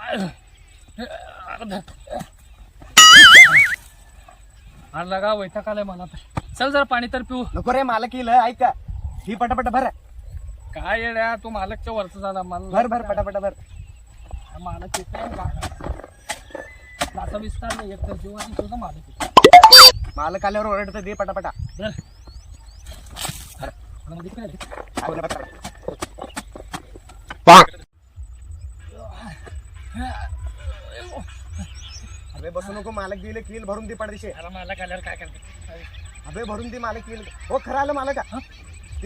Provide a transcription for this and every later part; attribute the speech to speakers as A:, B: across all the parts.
A: लगा वैताग आलाय मला. चल जरा पाणी तर पिऊ.
B: नको रे मालक येईल ऐका ही पटापट भर.
A: काय येड्या तू मालकच्या वरच झाला मला.
B: भर भर पटापट भर.
A: मालक येतोय असा विस्तार नाही एक तर जीव आणि तुझा मालक येतो.
B: मालक आल्यावर ओरडतं दे पटापटा. अबे बसू नको मालक गेले किल भरून दे पडदेशे.
A: मालक आल्यावर काय करते.
B: अबे भरून दे मालक येईल. हो खरं आलं मालक ती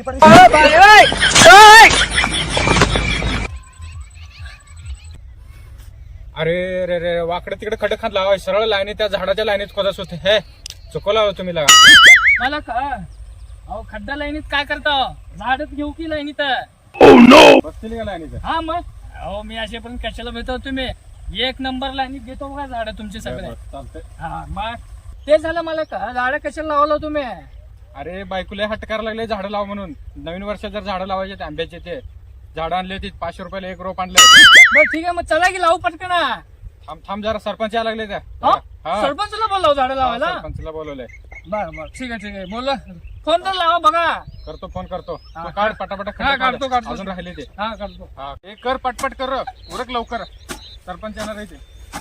C: अरे रे रे वाकडे तिकडे खडे खात लावा. सरळ लाईनी त्या झाडाच्या लाईनीत खोदत होते. हे चुकवला तुम्ही लागा.
A: मला अहो खड्डा लाईनीत काय करता. झाडच घेऊ की लाईनीत.
C: बसतील का लाईनीत.
A: हा मग अहो मी असे पण कशाला भेटतो. तुम्ही एक नंबर लाईनीत घेतो बघा झाड तुमचे सगळे.
C: चालतंय.
A: हा मग ते झालं मला झाड कशाला लावलं तुम्ही.
C: अरे बायकुले हट्ट करायला लागले झाडं लाव म्हणून. नवीन वर्षात जर झाडं लावायचे ते आंब्याचे ते झाडं आणले होती 500 रुपयाला एक रोप आणलं.
A: बरं ठीक आहे मग चला की लावू पटकन.
C: थांब जरा सरपंच यायला लागले त्या.
A: सरपंचला बोलाव झाडं लावायला.
C: सरपंचला बोलवलंय.
A: बरं ठीक आहे बोल. फोन तर लावा बघा.
C: करतो फोन करतो. तू काढ पटापट.
A: काढतो.
C: अजून राहिले ते.
A: हा करतो.
C: हे कर पटपट कर उरक लवकर. सरपंच येणार आहे ते.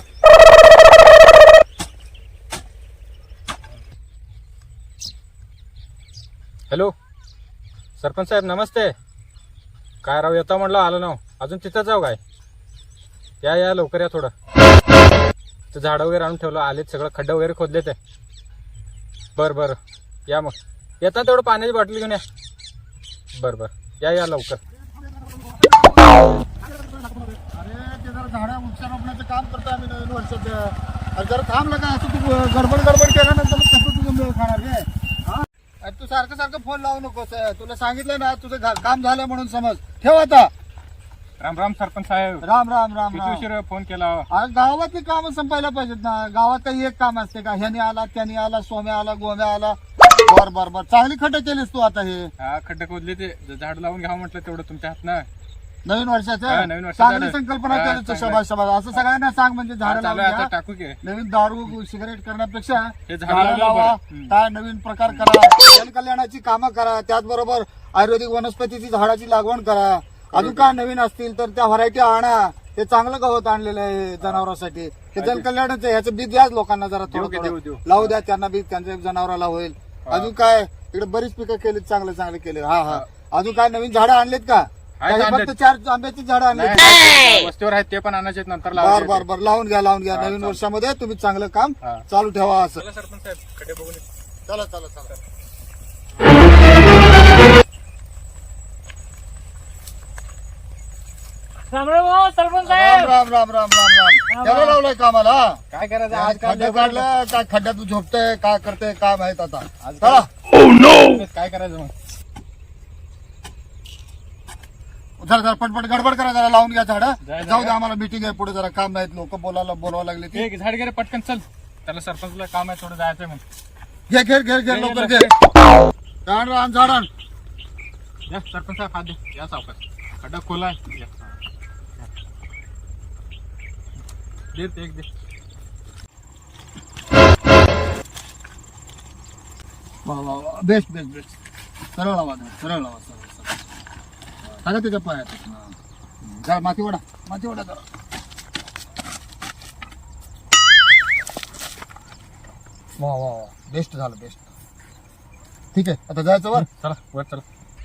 C: हॅलो सरपंच साहेब नमस्ते. काय राव येतो म्हणलं आलो ना. अजून तिथं जाऊ काय. या लवकर या थोडं. ते झाडं वगैरे आणून ठेवलं. आलेत सगळं खड्डे वगैरे खोदले ते. बरं या मग. येता तेवढं पाण्याची बॉटल घेऊन या. बरं या लवकर.
D: अरे ते जरा झाडं वृक्षारोपणाचं काम करतो आम्ही नवीन वर्षाचं. अरे जरा थांबलं का असं तू गडबड केल्यानंतर मग कसं तुझं मेळ खाणार रे. अरे तू सारखं फोन लावू नकोस. तुला सांगितलं ना तुझं काम झालं म्हणून समज. ठेव आता.
C: राम सरपंच साहेब.
D: राम
C: किती उशीर फोन केला.
D: अरे गावातली कामं संपायला पाहिजेत ना. गावात काही एक काम असते का. ह्यानी आला त्यानी आला सोम्या आला गोम्या आला. बर चांगली खड्डे केलीस तू आता. हे
C: हा खड्डे खोदले ते झाड लावून घ्यावं म्हटलं तेवढं तुमच्या हातनं.
D: नवीन वर्षाचं
C: नवीन वर्षाचं
D: चांगली
C: झालं.
D: संकल्पना
C: हा,
D: केली.
C: चांगलं.
D: शबाज असं सगळ्यांना सांग म्हणजे झाडं
C: चालू
D: लावून
C: आता
D: घ्या.
C: टाकू की.
D: नवीन दारू सिगारेट करण्यापेक्षा
C: हे झाडं
D: झाडं लावा.
C: लावा.
D: काय नवीन प्रकार करा. जनकल्याणाची कामं करा. त्याचबरोबर आयुर्वेदिक वनस्पतीची झाडाची लागवड करा. अजून काय नवीन असतील तर त्या व्हरायटी आणा. ते चांगलं गवत आणलेलं आहे जनावरांसाठी. ते जनकल्याणाचं ह्याचं बी द्या लोकांना जरा थोडं
C: देऊ.
D: लावू द्या त्यांना बी. त्यांच्या जनावराला होईल. अजून काय इकडे बरीच पिकं केलीत चांगले केले. हा अजून काय नवीन झाडं आणलेत का. फक्त 4 आंब्याची झाडं आणली.
C: वस्तीवर आहेत ते पण आणायचे नंतर
D: बर लावून घ्या. नवीन वर्षामध्ये तुम्ही चांगलं काम चालू ठेवा. असं
C: सरपंच साहेब खड्डे बघून
D: चला
A: रामराव सरपंच साहेब.
D: राम त्याला लावलंय कामाला.
C: काय करायचं
D: आज
C: आज
D: खड्डे काढलं काय खड्ड्यात झोपतंय काय करतंय काय माहित आता.
C: आज
D: चला
C: काय करायचं मग.
D: जरा पटपट गडबड करा. जरा लावून घ्या झाडं.
C: जा.
D: जाऊ द्या आम्हाला मीटिंग आहे पुढे. जरा काम नाहीत लोक बोलावं लागले ते.
C: एक झाड गेले पटकन चल. त्याला सरपंचला काम आहे थोडं जायचं मग.
D: घे लवकर घे. झाड
C: या सरपंच साहेब हात दे. या सावकाश. खड्डा खोला आहे. दे.
D: बेस्ट सरळ लावा. सांगा त्याच्या पायात. जरा माती वडा जरा. वा बेस्ट झालं. ठीक आहे आता जायचं वर.
C: चला.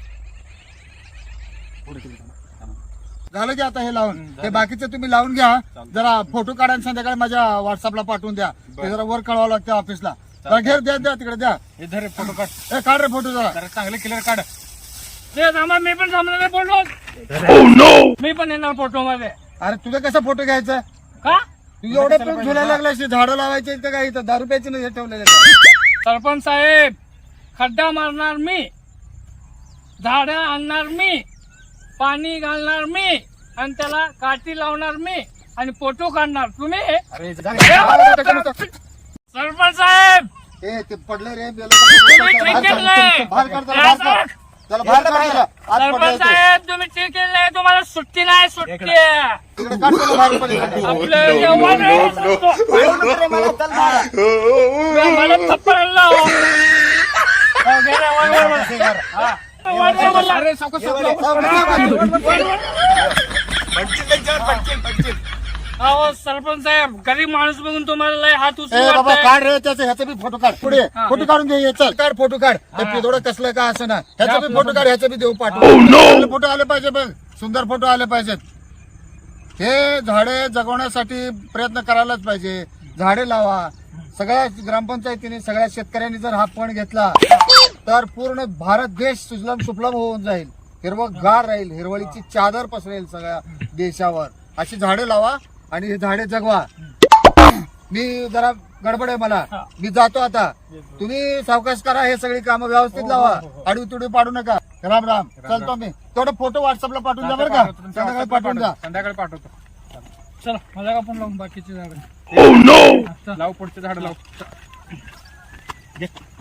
D: झालं की आता हे लावून. हे बाकीचे तुम्ही लावून घ्या. जरा फोटो काढा आणि संध्याकाळी माझ्या व्हॉट्सअपला पाठवून द्या. ते जरा वर कळवावं लागतं ऑफिसला. घेर द्या तिकडे द्या.
C: हे धर फोटो काढ.
D: काढ रे फोटो जरा.
C: जरा चांगले क्लिअर काढ.
A: मी पण थांबणार फोटो. मी पण येणार फोटो मध्ये.
D: अरे तुझं कसं फोटो घ्यायचं.
A: का
D: तू एवढे पण झुलायला लागला. झाडं लावायचे का काय इथं 10 रुपयाचे नाही ठेवलेले.
A: सरपंच साहेब खड्डा मारणार मी. झाडं आणणार मी. पाणी घालणार मी. आणि त्याला काठी लावणार मी. आणि फोटो काढणार तुम्ही.
C: अरे
A: सरपंच साहेब
D: ते पडले रे.
A: तुम्ही ठीक केलंय.
D: बाहेर काढ. त्याला बाहेर काढ. आज
A: सरपंच
D: पडलं
A: साहेब तुम्ही ठीक केलंय, तुम्हाला सुट्टी नाही, सुट्टी आहे.
D: तिकडे काढ त्याला बाहेर पलीकडे.
A: आपलं जेवण आहे, सांगतो.
B: येऊ नको रे मला, चल बाळा.
A: मला थप्पड आणला हो. हो, घे रे, वर, वर, वर. हा. वर, वर, वर.
C: अरे सावकाश,
B: ये
C: सावकाश.
B: बरं.
A: अहो सरपंच साहेब, गरीब माणूस बघून तुम्हाला लय हात
D: ए बाबा
A: उचलून
D: काढ रे त्याचं ह्याचा बी फोटो काढ पुढे फोटो काढून घे ये, चल काढ फोटो काढ ते पिदोडं कसलं का असं ना ह्याचा बी फोटो काढ ह्याचा बी देऊ पाठव फोटो आले पाहिजे बघ सुंदर फोटो आले पाहिजेत हे झाडे जगवण्यासाठी प्रयत्न करायलाच पाहिजे झाडे लावा सगळ्या ग्रामपंचायतीने सगळ्या शेतकऱ्यांनी जर हा पण घेतला तर पूर्ण भारत देश सुजलम सुफलम होऊन जाईल हिरवगार राहील हिरवळीची चादर पसरेल सगळ्या देशावर अशी झाडे लावा आणि हे झाडे जगवा मी जरा गडबड आहे मला मी जातो आता तुम्ही सावकाश करा हे सगळी कामं व्यवस्थित लावा आडवी तुडवी पाडू नका राम राम चलतो मी तेवढं फोटो व्हॉट्सअपला पाठवून द्या बरं का संध्याकाळी पाठवून द्या
C: संध्याकाळी पाठवतो.
A: चला मला का पण लावून बाकीची झाडं
C: लाव पुढचे झाड लाव.
B: घे.